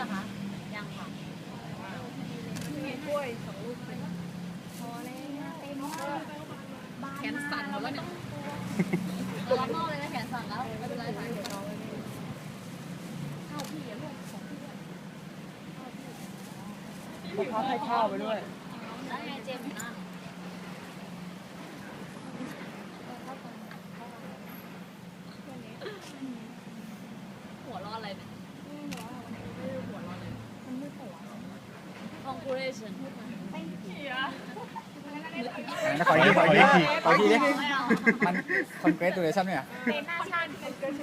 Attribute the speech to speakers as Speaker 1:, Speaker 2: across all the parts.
Speaker 1: อคะยังค่ะมีกล้วย2 ลูกพอแล้วเต็มแขนสั่นหมดแล้วเนี่ยร้อนมากเลยนะแขนสั่นแล้วไม่เป็นไรค่ะเดี๋ยวน้องข้าวพี่ลูกของพี่ด้วย
Speaker 2: เขาให้ข้าวไปด้วย
Speaker 1: แล้วไงเจมส์นั่งหัวร้อนอะไรเนี่ยหัวร้อนเลยมันมืดหัว conclusion
Speaker 2: ขออีกทีดิมัน congratulation เนี่ย
Speaker 1: เป็นหน้าชาติ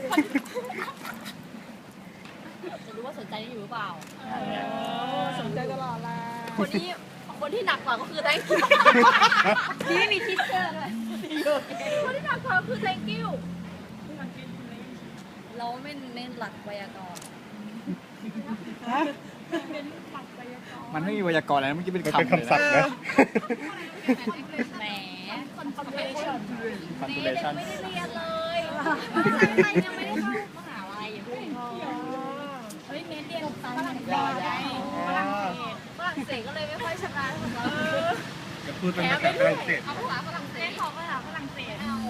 Speaker 1: จะรู้ว่าสนใจอยู่หรือเปล่าสนใจตลอดละคนที่หนักกว่าก็คือ thank you ที่ไม่มีทิชเชอร์ด้วยคนที่หนักกว่าคือ thank you เราไม่เน้นหลักไวยากรณ์
Speaker 2: มันไม่มีไวยากรณ์อะไรเมื่อกี้เป็นคำ
Speaker 3: ศัพท์นะ
Speaker 1: แหม
Speaker 2: constellation
Speaker 1: นี่เด็กไม่ได้เรียนเลยยังไม่ได้เข้ามหาลัยอยู่เฮ้ยเน้นเรียนฝรั่งเศสฝรั่งเศสก็เลยไม่ค่อยชนะของเรา
Speaker 3: จะพูดเป็นภาษาฝรั่งเศส
Speaker 1: เอาภาษาฝรั่งเศสขอภาษาฝรั่งเศสเอา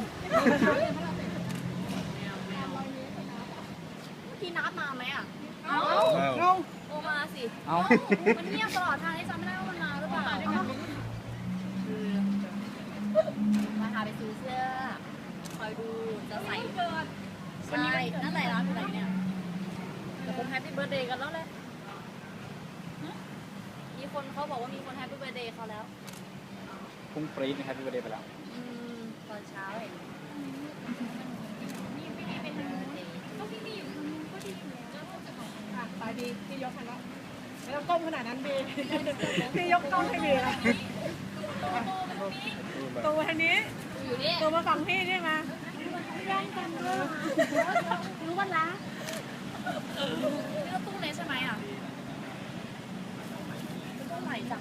Speaker 1: เมื่อกี้นัดมาไหมอ่ะเอาโอมาสิเอามันเงียบตลอดทางที่จำไม่ได้ว่ามันมาหรือเปล่าคือมาหาไปซื้อเสื้อคอยดูจะใส่ใช่นั่นแหละร้านอะไรเนี่ยแต่ผมแฮปปี้เบิร์ดเดย์กันแล้วเลยมีคนเขาบอกว่ามีคนแฮปปี้เบิร์ดเดย์เขาแล้ว
Speaker 2: พุ่งปรี๊ดนะครับพี่ประเดี๋ยวไปแล้ว
Speaker 1: ตอนเช้าเห็น
Speaker 4: ไปดีพี่ยกให้แล้วไม่ต้องก้มขนาดนั้นดีพี่ยกกล้องให้ดีแล้วตัวทางนี้
Speaker 1: อยู่นี่
Speaker 4: ตัวมาฝั่งพี่นี่มา
Speaker 1: ย่างกันเลยรู้วันละนี่ก็ตู้เล็กใช่ไหมอ่ะตู้ใหม่จัง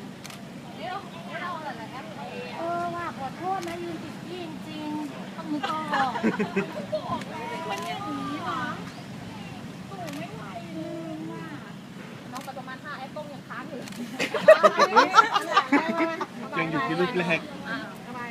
Speaker 1: ว่าขอโทษนะยืนติดพี่จริงๆต้องมือต่อมันอย่างนี้หรอตู้ไม่ไหวเลยว่ะน้องไปประมาณ5 แอปเปิ้ลยังค้างอยู่
Speaker 3: ยังอยู่ที่รูปแรก
Speaker 4: ทำไม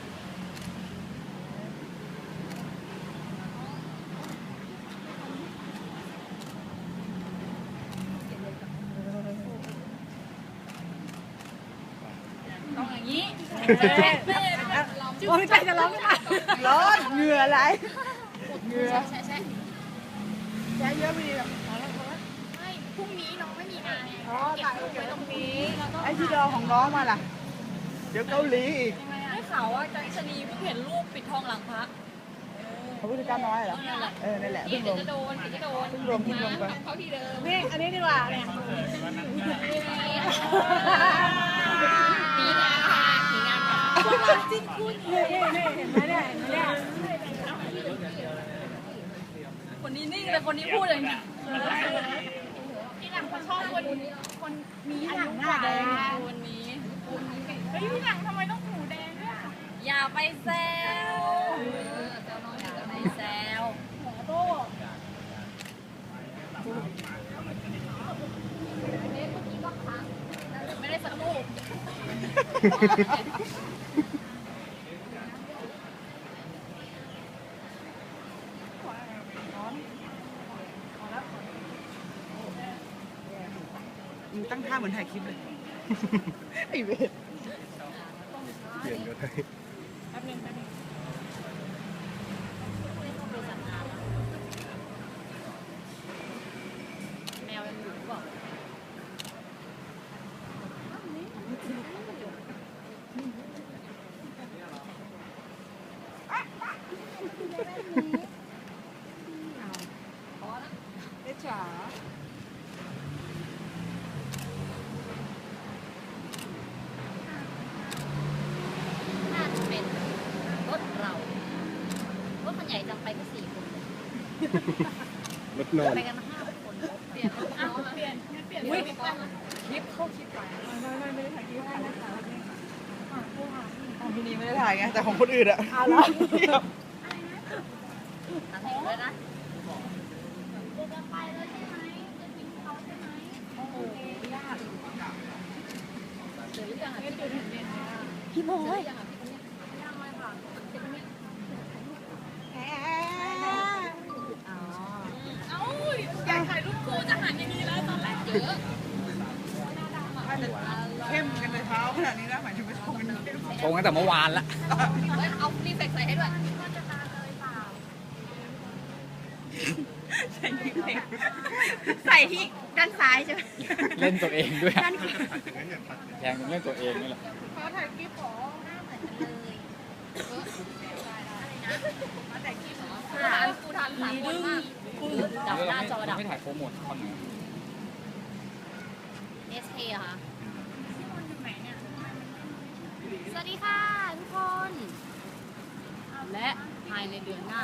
Speaker 1: ต้องอย่างนี้
Speaker 4: โอ้ยใจจะร้องค่ะร้อนเหงื่อไหลเหงื่อ
Speaker 1: ใช่
Speaker 4: แย่เยอะไปดีหรอ
Speaker 1: ไม่พรุ่งนี้น้องไม่มีงานไง
Speaker 4: ถ่ายรูปไว้ตรงนี้ไอ้ที่ดอของน้องมาล่ะเดี๋ยวเกาหลีอีก
Speaker 1: ได้ข่าวว่าใจชนีเพิ่งเห็นรูปปิดทองหลังพระ
Speaker 4: พระพุทธเจ้าน้อยเหรอนั่นแหละเพิ่งลง
Speaker 1: จะโดนเพิ่ง
Speaker 4: ลงไป
Speaker 1: เขาที่เดิม
Speaker 4: นี่อันนี้ดีกว่าเนี่ย
Speaker 1: มีงานค่ะมีงานค่ะจิ้นคู่นี้
Speaker 4: เห็นไหมเนี่ย
Speaker 1: คนนี้นิ่งเลยคนนี้พูดเลยเนี่ยพี่หลังเขาชอบคนมีหลังหน้าแดงคนนี้เฮ้ยพี่หลังทำไมต้องหูแดงด้วยอย่าไปแซวอย่าไปแซวหัวโตไม่ได้สักรูป
Speaker 4: ตั้งท่าเหมือนถ่ายคลิปเลยไอเวท
Speaker 3: เปลี่ยนก็ได้
Speaker 4: แป๊บนึง
Speaker 1: แมวยังอยู่หรือเปล่า
Speaker 4: เอ๊ะจ๋า
Speaker 1: น่าจะเป็นรถเรารถคันใหญ่จังไปก็4 คน
Speaker 3: รถนอน
Speaker 1: ไปกัน5 คนเปลี่ยนลิฟต์เข้าชิปไป
Speaker 4: ไม่ได้ถ่ายคลิปให้นะคะ
Speaker 2: ของที่นี่ไม่ได้ถ่ายไงแต่ของคนอื่นอะ
Speaker 4: เอาละ
Speaker 1: นั่งเลยนะจะไปแล้วใช่ไหมจะทิ้งเขาใช่ไหมกี่โมงเลย
Speaker 4: แหม
Speaker 1: อ๋อ
Speaker 4: อยากถ่ายรูปคู่จะหันอย่างนี้แล้วตอนแรกเยอะเข้มกันเลยเท้าขนาดนี้แล้วหมายถึงว่าชงกันเข้ม
Speaker 2: ชงตั้งแต่เมื่อวานละ
Speaker 1: เอารีเฟกใส่ให้ด้วย
Speaker 4: ใส่ที่เพลงใส่ที่ด้านซ้ายใช่ไหม
Speaker 2: เล่นตัวเองด้วย
Speaker 4: ด้านขวา
Speaker 3: อย่างนั้นอย่าตัดเลย
Speaker 2: แทงเป็นเรื่องตัวเองนี่แหละ
Speaker 4: เขาถ่ายคลิปหรอ
Speaker 1: กูทำสามคนมากดับหน้าจอดับ
Speaker 2: ไม่ถ่ายโปรโมทคอนไหน
Speaker 1: SK เหรอคะสวัสดีค่ะทุกคน และภายในเดือนหน้า